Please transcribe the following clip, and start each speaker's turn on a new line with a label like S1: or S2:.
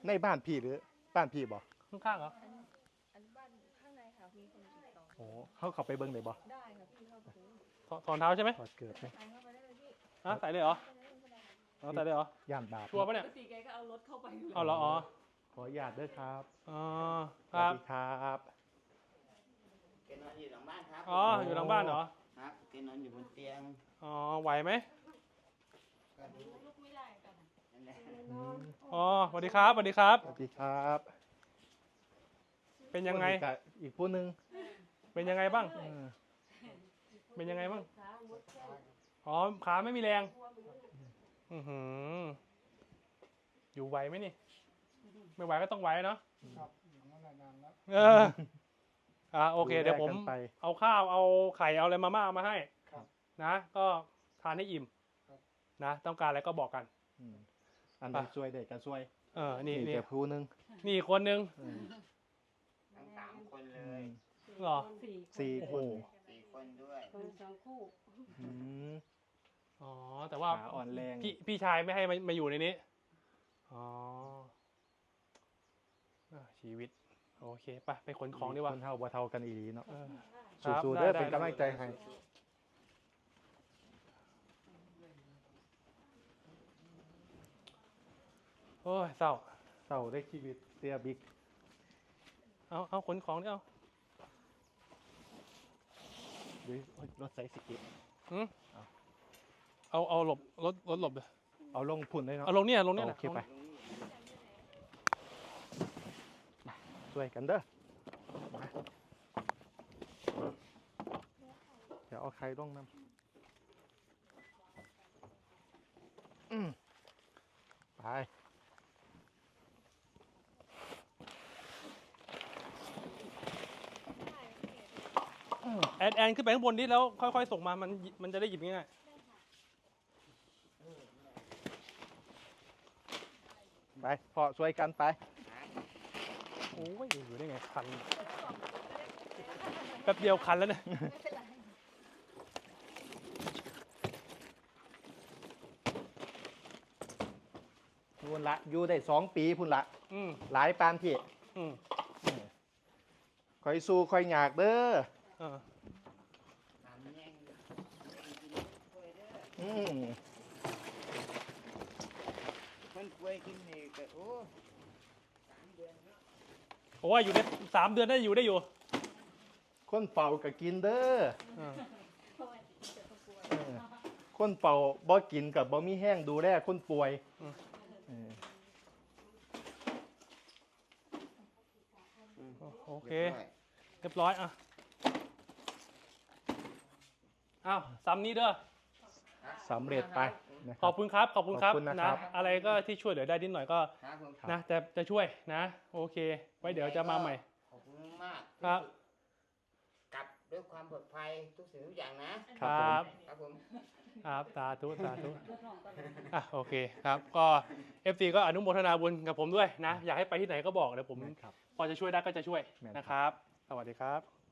S1: ในบ้านพี่หรือบ้านพี่บ่
S2: ข้างๆเหรอ
S3: อันบ้านข้างในค่ะมีคนติดต่อ
S1: โอ้เขาเข้าไปเบิ่งได้บ่
S3: ได้ค่ะพี่เข้าไปดู
S2: ถอนเท้าใช่ไหม
S1: ถอดเกิดไหม
S3: ใส่เข้าไปได้เลยพี่
S2: ฮะใส่เลยเหรอ
S3: ไปได้เลยก็ได้
S2: อ๋อใส่เลยเหร
S1: ย่านบาป
S2: ชัวร์ปะ
S3: ป
S2: เนี่ย
S3: กติแกก็เอารถเข้าไปอยู่
S2: เอาเหรออ๋อ
S1: ขออนุญาตเด้อครับ
S2: อ๋อ
S1: ส
S2: ค
S1: วัส
S2: รับ
S1: ดีครับ
S4: แกนอนอยู่หลังบ้านครับ
S2: อ๋ออยู่หลังบ้านเหรอ
S4: ครับแกนอนอยู่บนเตียง
S2: อ๋อไหวไหม
S4: ก็ดู
S3: ลุกไม่ได้กัน
S4: นั่นแหละ
S1: อืม
S2: อ๋อสวัสดีครับสวัสดีครับ
S1: สวัสดีครับ
S2: เป็นยังไง
S1: อีกผู้หนึง
S2: เป็นยังไงบ้าง
S1: เออ
S2: เป็นยังไงบ้าง
S3: ขาหมดแค่
S2: อ๋อขาไม่มีแรงอือหืออยู่ไหวไหมนี่ ไม่ไหวก็ต้องไหวเนาะ
S5: ครับอย่างนั้นนานแล้ว
S2: เออโอเคเดี๋ยวผม
S1: แลกกันไป
S2: เอาข้าวเอาไข่เอาอะไรมาม่ามาให้
S5: ครับ
S2: นะ ก็ทานให้อิ่ม
S5: ครับ
S2: นะ ต้องการอะไรก็บอกกัน
S1: อืมอันไหนช่วยได้ก็ช่วย
S2: นี่
S1: นี่
S2: นี่
S1: แต่ผู้หนึง
S2: นี่อีกคนนึง
S1: เออ
S4: ทั้ง3 คนเล
S1: อื
S4: ย
S1: ม
S2: เหรอ
S1: สี่คน
S4: 4 คนด้วย
S3: คนสองคู่
S1: อืม
S2: อ๋อแต่ว่า
S1: ขาอ่อนแรง
S2: พี่ชายไม่ให้มาอยู่ในนี้อ๋อชีวิตโอเคไปขนของดีกว่า
S1: คนเท่าบ่เท่ากันอีหลีเนาะ
S2: เออครับ
S1: สู้ๆเด้อ
S2: ได้
S1: เป็นกำลังใจให้
S2: โอ้ยเศร้า
S1: เศร้าได้ชีวิตเตียบิ๊ก
S2: เอาขนของนี่เอา
S1: หรือรถไซส์สกิป
S2: หืมเอาหลบรถหลบเลย
S1: เอาลงพุ่นเลยเนาะ
S2: เอาลงเนี่ยลงเนี่ย
S1: โอเคไปช่วยกันเด้อมาเดี๋ยวเอาใครลงน้ำไป
S2: แอนขึ้นไปข้างบนนิดแล้วค่อยๆส่งมามันจะได้หยิบง่าย
S1: ไปพอช่วยกันไป
S2: ๆโอ้ยอยู่ได้ไงคันแป๊บเดียวคันแล้วเนี่ย
S1: พุ่นละอยู่ได้2 ปีพุ่นละ
S2: อืม
S1: หลายปานพี่
S2: อืม
S1: คอยสู้คอยอยากเด้อ
S2: เออ
S4: ถามแย่งกินป่วยเด้อ
S1: อืม
S4: คนป่วยกินนี่ก็โอ้3 เดือนเนาะ
S2: โอ้ยอยู่ได้3 เดือนได้อยู่
S1: คนเฝ้าก็กินเด้อ
S2: เออ
S1: เออคนเฝ้าบ่กินกับบ่มีแห้งดูแลคนป่วยเออ
S2: โอเคเรียบร้อยอ้าวซ้ำนี้เด้อ
S1: สำเร็จไปนะค
S2: ข
S1: รั
S2: อ
S1: บบ
S2: คุณครับขอบคุณครับ
S1: ขอบคุณนะครับ
S2: อะไรก็ที่ช่วยเหลือได้นิดหน่อยก็
S4: ครับผม
S2: นะจะช่วยนะโอเค ไว้เดี๋ยวจะมาใหม่
S4: ขอบคุณมาก
S2: ครับ
S4: กลับด้วยความปลอดภัยทุกสิ่งทุกอย่างนะครับ ครับผม
S2: ครับสาธุโอเคครับก็ FC ก็อนุโมทนาบุญกับผมด้วยนะ อยากให้ไปที่ไหนก็บอกเดี๋ยวผม
S1: แม่นครับ
S2: พอจะช่วยได้ก็จะช่วย
S1: แม่นครับ
S2: นะครับ สวัสดีครับ